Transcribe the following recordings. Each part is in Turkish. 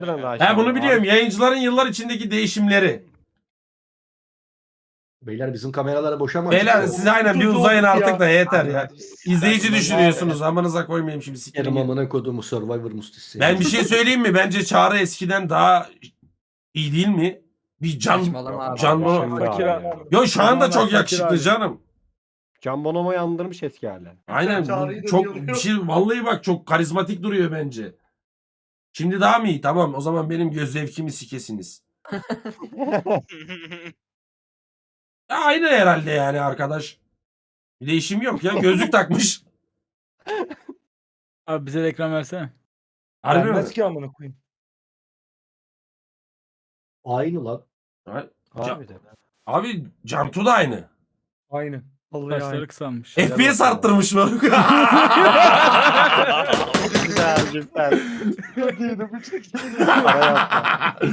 Ben bunu biliyorum. Yayıncıların yıllar içindeki değişimleri. Beyler bizim kameralara boşa Beyler siz aynen bir uzayın artık da yeter ya. İzleyici Ben- düşünüyorsunuz. Amanıza koymayayım şimdi sikerim. Yarım amına kodumu Survivor mustisi. Ben bir şey söyleyeyim mi? Bence Çağrı eskiden daha iyi değil mi? Bir Saçmalama abi. Can Bono. Şimdi abi. Yo şu anda Zamanlar çok yakışıklı fakir abi. canım. Can Bonomo'yu andırmış eski haller. Aynen. Çağrı'yı da Çok yalıyor. bir şey vallahi bak çok karizmatik duruyor bence. Şimdi daha mı iyi? Tamam o zaman benim göz zevkimi sikesiniz. Ya aynı herhalde yani arkadaş. Bir değişim yok ya. Gözlük takmış. Abi bize de ekran versene. Harbi mi? Vermez ki amına koyayım. Aynı lan. Abi de. Abi Cantu da aynı. Aynen. Vallahi Saçları aynı. kısalmış. FPS arttırmış mı? Güzel güzel. Para yapma.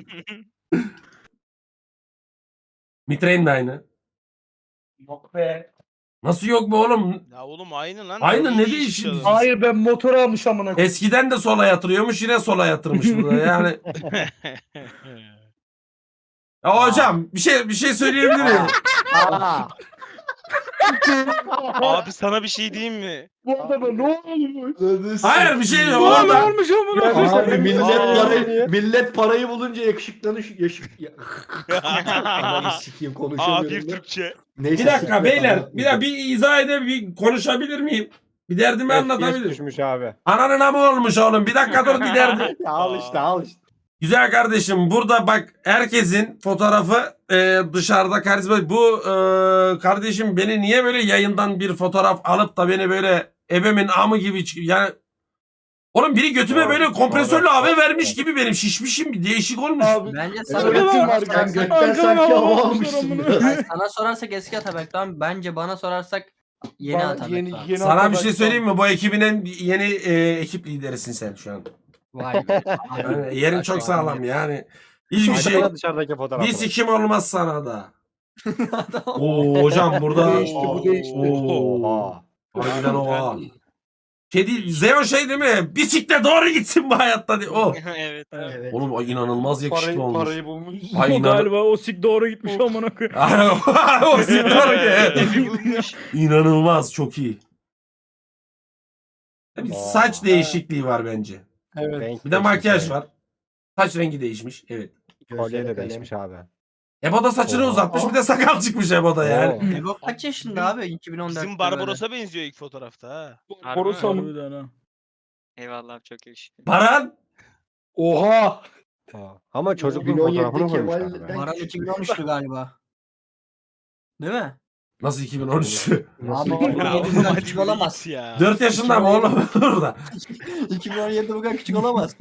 Mitre'nin de aynı. Yok be. Nasıl yok bu oğlum? Ya oğlum aynı lan. Aynı, ne İyi değişti? iş Hayır ben motor almış amına koyayım. Eskiden de sola yatırıyormuş yine sola yatırmış burada yani. Ya hocam bir şey söyleyebilir miyim? Abi sana bir şey diyeyim mi? Bu adama ne olmuş? Hayır bir şey yok. Ne Orada olmuş amına? Yani- Abi Aa, millet parayı bulunca yakışıklanış Ananı sikeyim konuşamıyorum. A1 da. Türkçe. Neyse, bir dakika siktir, beyler anlatmayacağım. bir izah bir konuşabilir miyim? Bir derdimi FPS anlatabilir. düşmüş abi. Ananın amı olmuş oğlum. Bir dakika dur bir derdi. Ya al işte al işte. Güzel kardeşim burada bak herkesin fotoğrafı dışarıda karizma. Bu kardeşim beni niye böyle yayından bir fotoğraf alıp da beni böyle ebemin amı gibi yani oğlum biri götüme Doğru, böyle kompresörlü doğru. hava vermiş gibi benim şişmişim bir değişik olmuş. Abi. Bence Sen sana, Öğretim var sen kanka. götten Arkadan sanki hava hava almışlar almışsın amına. biraz. Hayır, sana sorarsak eski Atabek'ten, bence bana sorarsak yeni Bana Atabek'ten. yeni Sana bir Atabek şey söyleyeyim mi? Bu ekibin en yeni ekip liderisin sen şu an. Vay be. Yani yerin çok sağlam yani. Hiçbir şey. Baksana dışarıdaki fotoğrafına. Bir sikim olmaz sana da. Oo hocam burada. Bu değişti, bu değişti. Oo. Oha. Harbiden oha. Şey değil, Zeo şey değil mi? Bisiklet doğru gitsin bu hayatta diye. O. Evet. Evet. Oğlum ay inanılmaz yakışıklı olmuş. Parayı bulmuş. Ay O inan. galiba o sik doğru gitmiş amına koyayım. O doğru Evi ki. bulmuş. İnanılmaz çok iyi. Bir Aa. saç değişikliği var bence. Evet. Renk Bir de makyaj değişmiş var. Saç rengi değişmiş. Evet. abi. Kolye Gözleri de kalem. değişmiş abi. Ebo da saçını Oha. uzatmış bir de sakal çıkmış Ebo'da yani. Ebo kaç yaşında abi? 2014'te Bizim Barbaros'a benziyor ilk fotoğrafta ha. Borusa mı? Harbiden ha. Eyvallah abi, çok yakışıklı. Baran. Oha. Ama çocukluğun fotoğrafını 2017'de koymuşlar. Kemal'den- be. Baran 2013'tü galiba. Değil mi? Nasıl 2013? Abi Ya 2017 bu oğlum kadar hadi küçük bir olamaz. git ya. 4 yaşında mı oğlum burada? 2017 bu kadar küçük olamaz.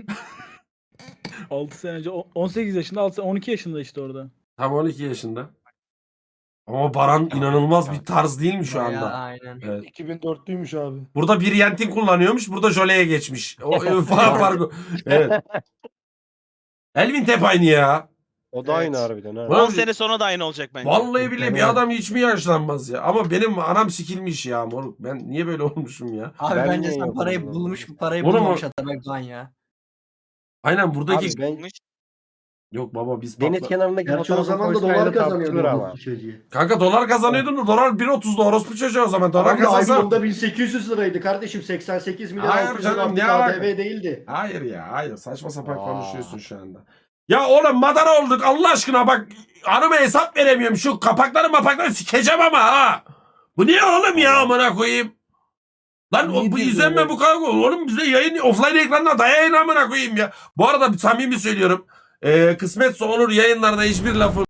6 sene önce 18 yaşında 12 yaşında işte orada. Tam 12 yaşında. Ama Baran inanılmaz bir tarz değil mi şu Bayağı, anda? aynen. Evet. 2004'lüymüş abi. Burada bir Yentin kullanıyormuş. Burada Jole'ye geçmiş. O farkı. Evet. Elvin Tep aynı ya. O da aynı harbiden ha. Ulan 10 sene sonra da aynı olacak bence. Vallahi bile bir adam hiç mi yaşlanmaz ya? Ama benim anam sikilmiş ya moruk. Ben niye böyle olmuşum ya? Abi Ben bence niye sen yok parayı oğlum? bulmuş, bu parayı Oğlum o- bulmamış Atabek Doğan ya. Aynen buradaki... Abi ben Yok baba biz... deniz patla- kenarındaki Gerçi o fotoğrafı zaman da koysaydı dolar tartışılır kazanıyordu ama. bu çocuğu. Kanka dolar kazanıyordun da dolar 1.30'da orospu çocuğu o zaman. Dolar Abi kazansa... iPhone'da 1800 liraydı kardeşim. 88 milyar Hayır 600 canım, artık ne alaka? ADV değildi. Hayır ya hayır saçma sapan Aa. konuşuyorsun şu anda. Ya oğlum madara olduk Allah aşkına bak hanıma hesap veremiyorum şu kapakları sikeceğim ama ha. Bu niye oğlum ya amına koyayım. Lan Niye bu diyorsun izlenme oğlum? bu kadar oğlum bize yayın offline ekranına dayayın amına koyayım ya. Bu arada samimi söylüyorum kısmetse olur yayınlarda hiçbir lafı